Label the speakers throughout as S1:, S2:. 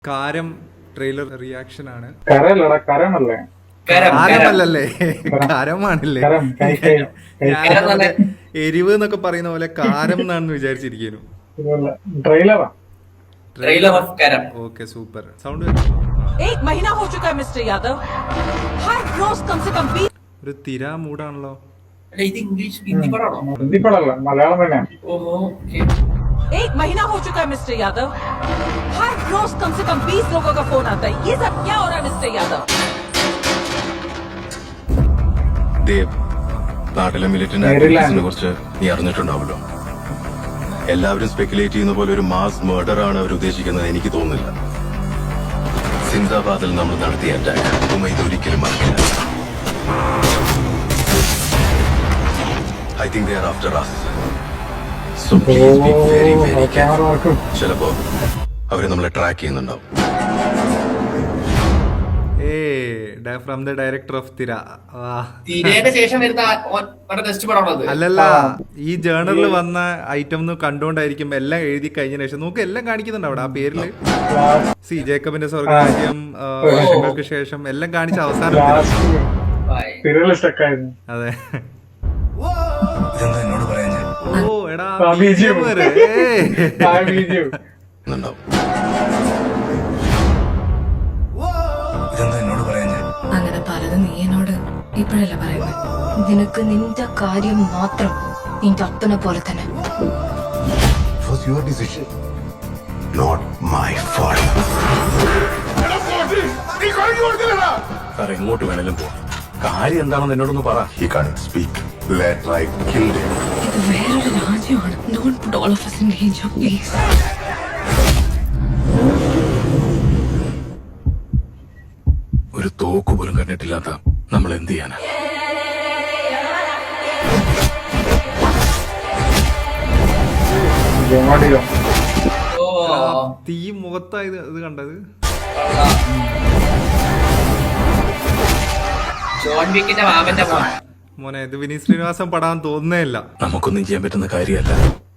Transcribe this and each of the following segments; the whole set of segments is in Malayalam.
S1: കാരം ട്രെയിലർ റിയാക്ഷൻ ആണ്.
S2: കാരമല്ലേ,
S1: കാരമാണല്ലേ. എരിവ് എന്നൊക്കെ പറയുന്ന പോലെ കാരം എന്നാണെന്ന് വിചാരിച്ചിരിക്കുന്നു. Okay, super. സൗണ്ട് ഒരു തിര മൂടാണല്ലോ.
S3: ഇത് ഇംഗ്ലീഷ് ഹിന്ദി പടമാണോ?
S2: ഹിന്ദി പടമല്ല, മലയാളം തന്നെ.
S4: एक महीना हो चुका है मिस्टर यादव, हर रोज कम से कम 20 लोगों का फोन आता है. ये सब क्या हो रहा है मिस्टर यादव?
S5: ദേവ്, നാട്ടിലെ മിലിറ്റന്റ് ആക്ടിവിറ്റീസിനെ കുറിച്ച് നീ അറിഞ്ഞിട്ടുണ്ടാവല്ലോ. എല്ലാവരും സ്പെക്കുലേറ്റ് ചെയ്യുന്ന പോലെ ഒരു മാസ് മർഡർ ആണ് അവർ ഉദ്ദേശിക്കുന്നത് എനിക്ക് തോന്നുന്നില്ല. സിന്ദാബാദിൽ നമ്മൾ നടത്തിയ അറ്റാക്ക് ഇത് ഒരിക്കലും മറക്കില്ല. I think they are after us. So please be very very careful. ചിലപ്പോ അവര് നമ്മളെ ട്രാക്ക് ചെയ്യുന്നുണ്ടാവും.
S1: ഫ്രം ദ ഡയറക്ടർ ഓഫ് തിര. അല്ലല്ല, ഈ ജേണലിൽ വന്ന ഐറ്റം കണ്ടുകൊണ്ടായിരിക്കും എല്ലാം എഴുതി കഴിഞ്ഞ ശേഷം നമുക്ക് എല്ലാം കാണിക്കുന്നുണ്ട് അവിടെ ആ പേരില്. സി ജേക്കബിന്റെ സ്വർഗരാജ്യം, വർഷങ്ങൾക്ക് ശേഷം എല്ലാം കാണിച്ച അവസാനം. അതെ.
S5: എന്നോട് പറയാൻ
S1: ഓ എടാ,
S5: എന്നോട് പറയാൻ
S6: അങ്ങനെ പലതും നീ എന്നോട് ഇപ്പോഴല്ല പറയുന്നത്. നിനക്ക് നിന്റെ കാര്യം മാത്രം നിന്റെ അപ്പനെ പോലെ തന്നെ.
S5: was your decision, not my fault. എങ്ങോട്ട് വേണേലും പോ. കാര്യം എന്താണെന്ന് എന്നോടൊന്ന് പറ. He can't speak. Later I killed him.
S6: ഇത് വേറൊരു രാജ്യമാണ്. Don't put all of us in danger, please.
S5: ഒരു തോക്ക് പോലും കണ്ടിട്ടില്ലാത്ത നമ്മൾ എന്ത് ചെയ്യാനാ?
S1: തീ മുഖത്തായത് ഇത് കണ്ടത്. മോനെ, ഇത് വിനീത് ശ്രീനിവാസൻ പടാൻ തോന്നുന്നേ ഇല്ല.
S5: നമുക്കൊന്നും ചെയ്യാൻ പറ്റുന്ന കാര്യമല്ല.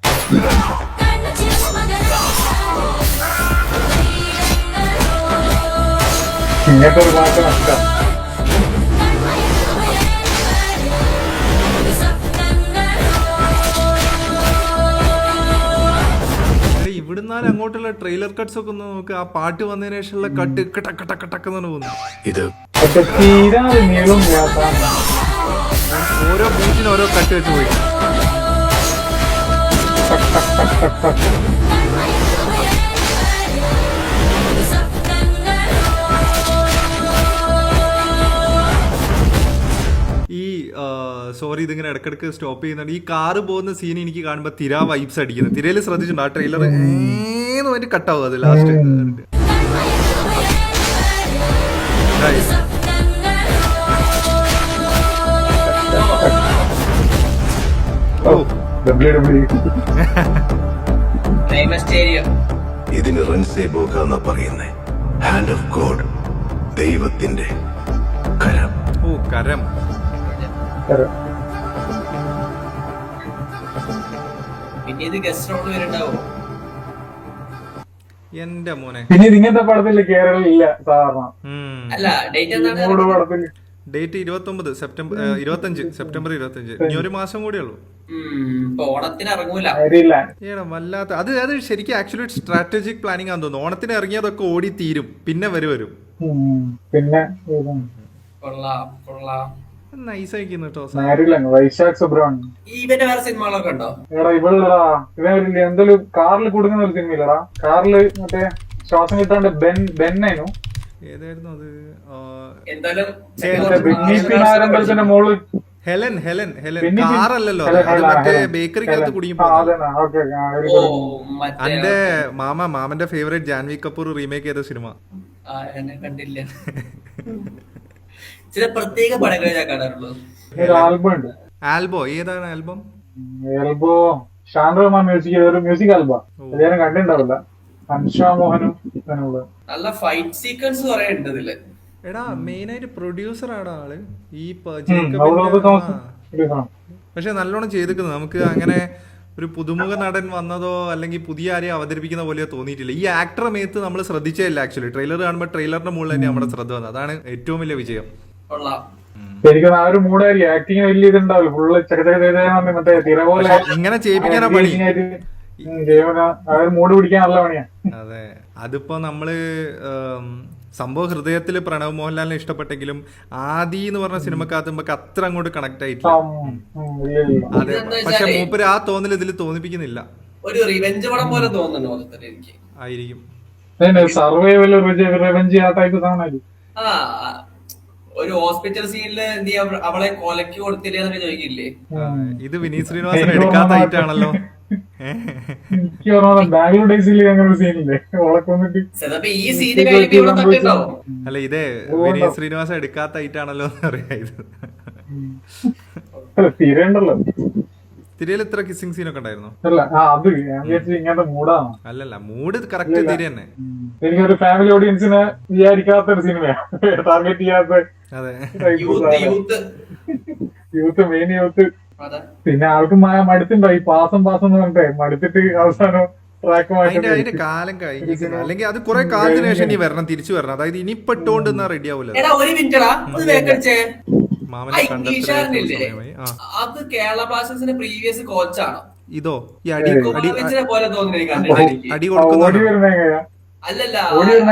S1: ഇവിടുന്നാലും അങ്ങോട്ടുള്ള ട്രെയിലർ കട്ട്സ് ഒക്കെ ഒന്ന് നോക്ക്. ആ പാട്ട് വന്നതിന് ശേഷമുള്ള കട്ട് കട്ടക്കെന്ന് പോകുന്നു.
S5: ഇത്
S1: ഓരോ ബീറ്റിന് ഓരോ കട്ട് വെച്ച് പോയി. ഈ സോറി, ഇതിങ്ങനെ ഇടക്കിടക്ക് സ്റ്റോപ്പ് ചെയ്യുന്നുണ്ട്. ഈ കാറ് പോകുന്ന സീൻ എനിക്ക് കാണുമ്പോ തിര വൈബ്സ് അടിക്കുന്നത്. തിരയിൽ ശ്രദ്ധിച്ചിട്ടുണ്ട് ആ ട്രെയിലർ വേണ്ടി കട്ടാവും അത് ലാസ്റ്റ്.
S5: ഇതിന് റൺസേ ബോക എന്നാ പറയുന്നേ. ഹാൻഡ് ഓഫ് ഗോഡ്, ദൈവത്തിന്റെ കരം.
S1: ഓ, കരം. എന്റെ മോനെ,
S2: ഇങ്ങനത്തെ പടത്തില് കേരളമില്ല സാധാരണ.
S1: Date 29 September 25. ഇനി ഒരു മാസം കൂടെ ഉള്ളൂ. വല്ലാത്ത അത് ശരിക്കും ആക്ച്വലി സ്ട്രാറ്റജിക് പ്ലാനിങ് ആണെന്ന് തോന്നുന്നു. ഓണത്തിന് ഇറങ്ങിയതൊക്കെ ഓടി തീരും, പിന്നെ വരും.
S2: പിന്നെ
S1: നൈസായിക്കുന്നു കേട്ടോ.
S2: വൈശാഖ് സുബ്രഹ്മണ്യം എന്തെങ്കിലും കാറിൽ കൊടുക്കുന്ന ഒരു സിനിമയില്ലടാ. കാറില് മറ്റേ ശ്വാസം കിട്ടാണ്ട് ബെന്നായിരുന്നു.
S1: ഏതായിരുന്നു അത്?
S2: മോള്
S1: ഹെലൻ കാറല്ലല്ലോ, മറ്റേ ബേക്കറിക്കകത്ത് കുടുങ്ങി. എന്റെ മാമന്റെ ഫേവറേറ്റ് ജാൻവി കപൂർ റീമേക്ക് ചെയ്ത സിനിമ.
S3: കണ്ടില്ല. ചില പ്രത്യേക പടങ്ങളെ ഞാൻ കാണാറുള്ളൂ.
S1: ആൽബോ ഏതാണ് ആൽബം?
S2: ഷാൻ മ്യൂസിക് ആൽബം കണ്ടിട്ടുണ്ടാവില്ല.
S3: നല്ല ഫൈറ്റ് സീക്വൻസ് കുറെ ഉണ്ട് ഇതില്.
S1: എടാ, മെയിൻ ആയിട്ട് പ്രൊഡ്യൂസർ ആണ് ആള് ഈ
S2: ജേക്കബിന്റെ.
S1: പക്ഷെ നല്ലോണം ചെയ്തിരിക്കുന്നത്. നമുക്ക് അങ്ങനെ ഒരു പുതുമുഖ നടൻ വന്നതോ അല്ലെങ്കിൽ പുതിയ ആരെയും അവതരിപ്പിക്കുന്ന പോലെയോ തോന്നിയിട്ടില്ല. ഈ ആക്ടറെ മേത്ത് നമ്മൾ ശ്രദ്ധിച്ചില്ല. ആക്ച്വലി ട്രെയിലർ കാണുമ്പോൾ ട്രെയിലറിന്റെ മുകളിൽ തന്നെ നമ്മുടെ ശ്രദ്ധ വന്നത്. അതാണ് ഏറ്റവും വലിയ വിജയം.
S3: കൊള്ളാം.
S2: ശരിക്കും ആ ഒരു മൂടായിരിക്കും. ആക്ടിങ് വലിയ ഇതുണ്ടാവില്ല, ഫുള്ള് ചെറുതെ മറ്റേ തിര പോലെ
S1: ഇങ്ങനെ ചെയ്യിപ്പിക്കാനാ പണി.
S2: ആ ഒരു മൂഡ് പിടിക്കാൻ നല്ല പണിയാ.
S1: അതെ, അതിപ്പോ നമ്മള് സംഭവം ഹൃദയത്തിൽ പ്രണവ് മോഹൻലാലിനെ ഇഷ്ടപ്പെട്ടെങ്കിലും ആദി എന്ന് പറഞ്ഞ സിനിമക്കകത്ത് നമുക്ക് അത്ര അങ്ങോട്ട് കണക്ട് ആയിട്ടില്ല. അതെ, പക്ഷെ മൂപ്പര് ആ തോന്നൽ ഇതിൽ തോന്നിപ്പിക്കുന്നില്ല.
S3: ഒരു റിവെഞ്ച് പടം പോലെ തോന്നുന്നു മൊത്തത്തിൽ എനിക്ക്.
S1: ആയിരിക്കും.
S2: സർവൈവൽ റിവെഞ്ച് ആ ടൈപ്പ് സാധനമായിരിക്കും.
S3: ആ ഒരു ഹോസ്പിറ്റൽ സീനില് എന്ത് ചെയ്യാ, അവളെ കൊലക്ക് കൊടുത്തില്ലേ എന്നൊക്കെ ചോദിക്കില്ലേ.
S1: ഇത് വിനീത് ശ്രീനിവാസൻ എടുക്കാത്ത ഐറ്റാണല്ലോ.
S2: എനിക്ക് ഓർമ്മ ബാംഗ്ലൂർ ഡേയ്സിൽ അങ്ങനെ ഒരു സീനില്ലേ, ഓളൊക്കെ വന്നിട്ട്
S3: ചിലപ്പോ ഈ സീന് കഴിഞ്ഞിട്ട് ഇവിടെ തട്ടുണ്ടാവും.
S1: അല്ല, ഇതേ വിനീത് ശ്രീനിവാസൻ എടുക്കാത്ത ഐറ്റാണല്ലോ എന്ന് പറയാ. ഇത്
S2: തിരയുണ്ടല്ലോ.
S1: തിരയിൽ ഇത്ര കിസ്സിംഗ് സീനൊക്കെ ഉണ്ടായിരുന്നു.
S2: അല്ല അത് ഞാൻ വിചാരിച്ചു ഇങ്ങനത്തെ മൂടാണ്.
S1: അല്ലല്ല, മൂഡ് കറക്റ്റ് തിര തന്നെ.
S2: എനിക്കൊരു ഫാമിലി ഓഡിയൻസിനെ വിചാരിക്കാത്ത ഒരു സിനിമയാണ്, ടാർഗറ്റ് ചെയ്യാത്ത.
S1: അതെ,
S2: യൂത്ത് മെയിൻ യൂത്ത്.
S3: അതെ.
S2: പിന്നെ ആൾക്ക് മടുത്തുണ്ടോ ഈ പാസം എന്ന് പറഞ്ഞിട്ടേ, മടുത്തിട്ട് അവസാനം ട്രാക്ക്
S1: അതിന്റെ കാലം കഴിഞ്ഞിരിക്കുന്നു. അല്ലെങ്കിൽ അത് കുറെ കാലത്തിന് ശേഷം ഇനി വരണം, തിരിച്ചു വരണം. അതായത് ഇനി പെട്ടോണ്ട് റെഡി ആവൂല.
S3: എടാ ഒരു മിനിറ്റടാ, ഒന്ന് വേക്കടിച്ചേ.
S1: മാമനെ കണ്ടെത്തില്ലേ?
S3: അത് കേരള ബ്ലാസ്റ്റേഴ്സിന്റെ പ്രീവിയസ് കോച്ചാണോ
S1: ഇതോ ഈ അടി
S3: പോലെ തോന്നുന്നു എനിക്ക് കണ്ടിട്ട്.
S1: അടി കൊടുക്കുന്നു.
S2: ഓടി വരുന്ന
S3: അല്ലല്ല,
S2: ഓടി വരുന്ന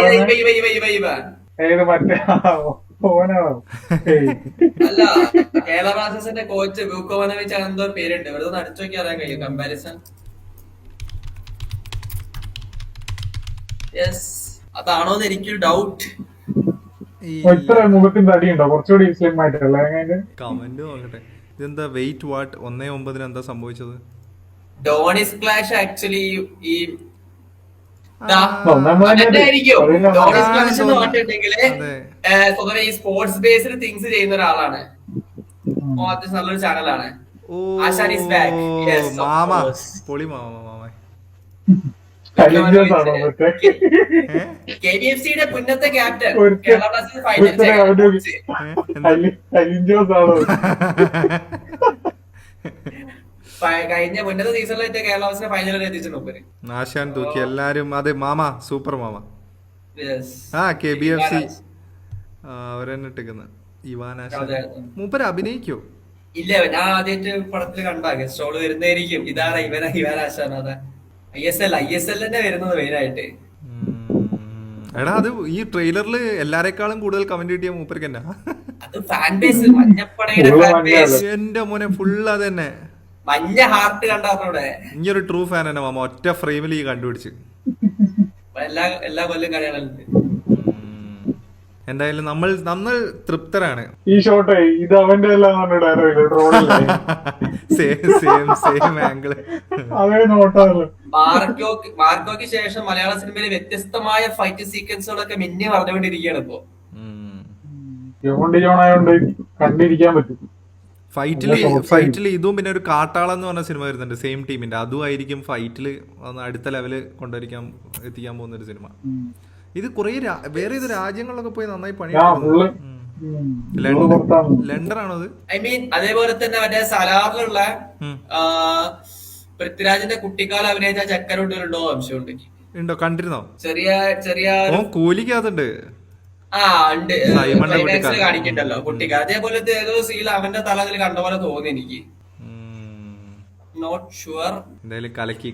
S3: അല്ല
S2: മറ്റേ ഓനാണോ?
S3: അല്ല, കേരള ബ്ലാസ്റ്റേഴ്സിന്റെ കോച്ച് ബ്യൂക്കോവനോവിച്ച് എന്തോ പേരുണ്ട്. ഇവിടെ ഒന്ന് അടിച്ചു നോക്കി അറിയാൻ കഴിയും കമ്പാരിസൺ. യെസ്, അതാണോന്ന് എനിക്കൊരു ഡൗട്ട്.
S2: ഇത്ര മുഖത്തിന്റെ അടിയുണ്ടോ? കുറച്ചുകൂടി സ്ലിം ആയിട്ടല്ലേ?
S1: കമന്റ് നോക്കട്ടെ. ഇതെന്താ വെയിറ്റ് വാട്ട് 1-9 എന്താ സംഭവിച്ചത്?
S3: ഡോണിസ് ക്ലാഷ് ആക്ച്വലി ഈ സ്വതവേ ഈ സ്പോർട്സ് ബേസ്ഡ് തിങ്സ് ചെയ്യുന്ന ഒരാളാണ്. നല്ലൊരു ചാനലാണ്.
S1: മാമ പൊളി മാമ.
S3: KBFCയുടെ മുന്നത്തെ ക്യാപ്റ്റൻ, കഴിഞ്ഞ മുന്നത്തെ സീസണിലായിട്ട് കേരള ബ്ലാസ്റ്റേഴ്സിനെ ഫൈനലിൽ എത്തിച്ചിട്ടുണ്ട്.
S1: ആശാൻ തൂക്കി എല്ലാരും. അതെ, മാമ സൂപ്പർ മാമ. ആ KBFC അവരെന്നെ ഇട്ടിരിക്കുന്ന ഇവാൻ ആശാൻ. മൂപ്പര് അഭിനയിക്കോ?
S3: ഇല്ല, ഞാൻ ആദ്യമായിട്ട് പടത്തിൽ കണ്ടാ ഗസ്റ്റ് റോള് വരുന്നതായിരിക്കും. ഇതാണ് ഇവാൻ ആശാൻ. അതെ, ISL തന്നെ വരുന്നത് മെയിനായിട്ട്.
S1: എടാ, അത് ഈ ട്രെയിലറിൽ എല്ലാരെക്കാളും കൂടുതൽ കമന്റ് കിട്ടിയ മൂപ്പർക്ക് തന്നെ.
S3: അത് ഫാൻ ബേസ്, മഞ്ഞപ്പടയുടെ ഫാൻ ബേസ്.
S1: എന്റെ മോനെ ഫുള്ള് അത് തന്നെ.
S3: മഞ്ഞ ഹാർട്ട് കണ്ടവിടെ.
S1: ഈ ഒരു ട്രൂ ഫാൻ തന്നെ മാമ. ഒറ്റ ഫ്രെയിമിൽ ഈ കണ്ടുപിടിച്ച്
S3: എല്ലാ കൊല്ലം കളികളുണ്ട്.
S1: എന്തായാലും നമ്മൾ തൃപ്തരാണ്.
S2: ഈ ഷോട്ട് ഇത് അവന്റെ
S1: സെയിം ആംഗിള്.
S3: മാർക്കോയ്ക്ക് ശേഷം മലയാള സിനിമയിലെ വ്യത്യസ്തമായ ഫൈറ്റ് സീക്വൻസുകളൊക്കെ മിന്നി പറഞ്ഞുകൊണ്ടിരിക്കുകയാണ് ഇപ്പോ.
S2: കണ്ടിരിക്കാൻ പറ്റും.
S1: ഫൈറ്റില് ഇതും പിന്നെ ഒരു കാട്ടാളെന്ന് പറഞ്ഞ സിനിമ വരുന്നുണ്ട് സെയിം ടീമിന്റെ. അതും ആയിരിക്കും ഫൈറ്റില് അടുത്ത ലെവല് എത്തിക്കാൻ പോകുന്ന ഒരു സിനിമ. ഇത് കുറെ വേറെ ഏത് രാജ്യങ്ങളിലൊക്കെ പോയി നന്നായി പണി. ലണ്ടൻ ആണോ അത്?
S3: ഐ മീൻ അതേപോലെ തന്നെ മറ്റേ സലാറിലുള്ള പൃഥ്വിരാജിന്റെ കുട്ടിക്കാലം അഭിനയിച്ച ചക്കരൂട്ടിലുണ്ടോ സംശയമുണ്ട്.
S1: ഉണ്ടോ? കണ്ടിരുന്നോ?
S3: ചെറിയ
S1: കൂലിക്കകത്തുണ്ട്.
S3: ഉണ്ട്, കാണിക്കണ്ടല്ലോ കുട്ടിക്കാലം. അതേപോലത്തെ ഏതോ സീൽ അവന്റെ തല അതിൽ കണ്ട പോലെ തോന്നി എനിക്ക്. Not sure.
S1: എന്തായാലും കലക്കി.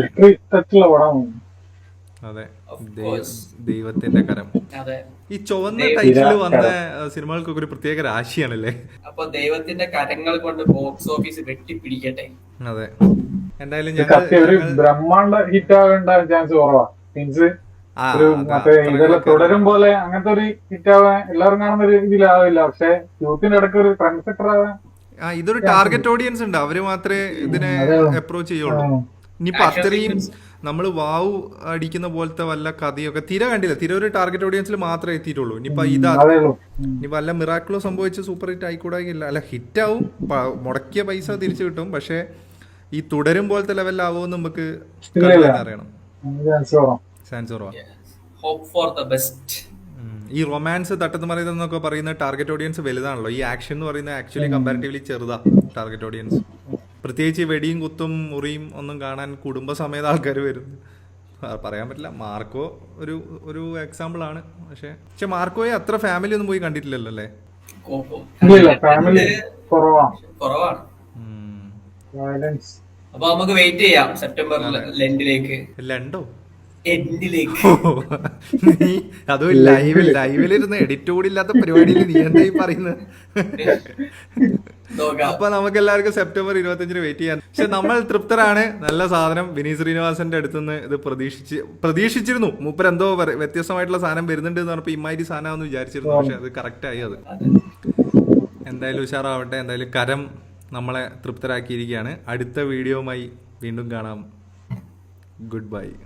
S1: അതെ, ദൈവത്തിന്റെ കരം. ഈ ചുവന്ന ടൈറ്റിൽ വന്ന സിനിമകൾക്കൊക്കെ ഒരു പ്രത്യേക രാശിയാണല്ലേ.
S3: അപ്പൊ ദൈവത്തിന്റെ കരങ്ങൾ കൊണ്ട് ബോക്സ് ഓഫീസ് വെട്ടിപ്പിടിക്കട്ടെ.
S1: അതെ, എന്തായാലും
S2: ബ്രഹ്മാണ്ഡ ഹിറ്റ് ആവേണ്ട ചാൻസ് കുറവാ. മീൻസ് ഇതെല്ലാം തുടരും പോലെ അങ്ങനത്തെ ഒരു ഹിറ്റ് ആവാൻ എല്ലാവരും കാണുന്ന ഒരു ഇതിലാവില്ല. പക്ഷെ യൂത്തിന്റെ ഇടയ്ക്ക് ഒരു ട്രെൻഡ് സെറ്റർ ആവാൻ
S1: ഇതൊരു ടാർഗറ്റ് ഓഡിയൻസ് ഉണ്ട്. അവര് മാത്രമേ ഇതിനെ അപ്രോച്ച് ചെയ്യുള്ളൂ. ഇനിയിപ്പോ അത്രയും നമ്മൾ വാവ് അടിക്കുന്ന പോലത്തെ വല്ല കഥയൊക്കെ തിര കണ്ടില്ല. തിര ഒരു ടാർഗറ്റ് ഓഡിയൻസിൽ മാത്രമേ എത്തിയിട്ടുള്ളൂ. ഇനിയിപ്പോ ഇനി വല്ല മിറാക്കിളോ സംഭവിച്ച് സൂപ്പർ ഹിറ്റ് ആയിക്കൂടാകില്ല. അല്ല, ഹിറ്റ് ആവും, മുടക്കിയ പൈസ തിരിച്ചു കിട്ടും. പക്ഷെ ഈ തുടരും പോലത്തെ ലെവലിലാവുമെന്ന് നമുക്ക് അറിയണം. ചാൻസ് കുറവാ. ഈ റൊമാൻസ് തട്ടത്ത് മറിയുന്നൊക്കെ പറയുന്ന ടാർഗറ്റ് ഓഡിയൻസ് വലുതാണല്ലോ. ഈ ആക്ഷൻ എന്ന് പറയുന്നത് ആക്ച്വലി കമ്പാരിറ്റീവ്ലി ചെറുതാ ടാർഗറ്റ് ഓഡിയൻസ്. പ്രത്യേകിച്ച് ഈ വെടിയും കുത്തും മുറിയും ഒന്നും കാണാൻ കുടുംബസമേത ആൾക്കാർ വരുന്നു. പറയാൻ പറ്റില്ല. മാർക്കോ ഒരു എക്സാമ്പിൾ ആണ്. പക്ഷെ മാർക്കോയെ അത്ര ഫാമിലി ഒന്നും പോയി കണ്ടിട്ടില്ലല്ലോ അല്ലേ?
S2: ഇല്ല, ഫാമിലി
S3: കുറവാണ്. അപ്പൊ നമുക്ക് വെയിറ്റ് ചെയ്യാം സെപ്റ്റംബറിൽ ലെൻഡിലേക്ക്.
S1: ലണ്ടോ
S3: എൻഡിലേക്ക്.
S1: നീ അതും ലൈവിലിരുന്ന് എഡിറ്റ് കൂടി ഇല്ലാത്ത പരിപാടിയിൽ നീ എന്താ ഈ പറയുന്നത്? അപ്പൊ നമുക്ക് എല്ലാവർക്കും സെപ്റ്റംബർ 25 വെയിറ്റ് ചെയ്യാൻ. പക്ഷെ നമ്മൾ തൃപ്തരാണ്. നല്ല സാധനം. വിനീത് ശ്രീനിവാസന്റെ അടുത്തുനിന്ന് ഇത് പ്രതീക്ഷിച്ചിരുന്നു. മൂപ്പർ എന്തോ വ്യത്യസ്തമായിട്ടുള്ള സാധനം വരുന്നുണ്ട് എന്ന് പറഞ്ഞപ്പോ ഇമ്മാതിരി സാധനമാണെന്ന് വിചാരിച്ചിരുന്നു. പക്ഷെ അത് കറക്റ്റ് ആയി. അത് എന്തായാലും ഉഷാറാവട്ടെ. എന്തായാലും കരം നമ്മളെ തൃപ്തരാക്കിയിരിക്കുകയാണ്. അടുത്ത വീഡിയോയുമായി വീണ്ടും കാണാം. Good by.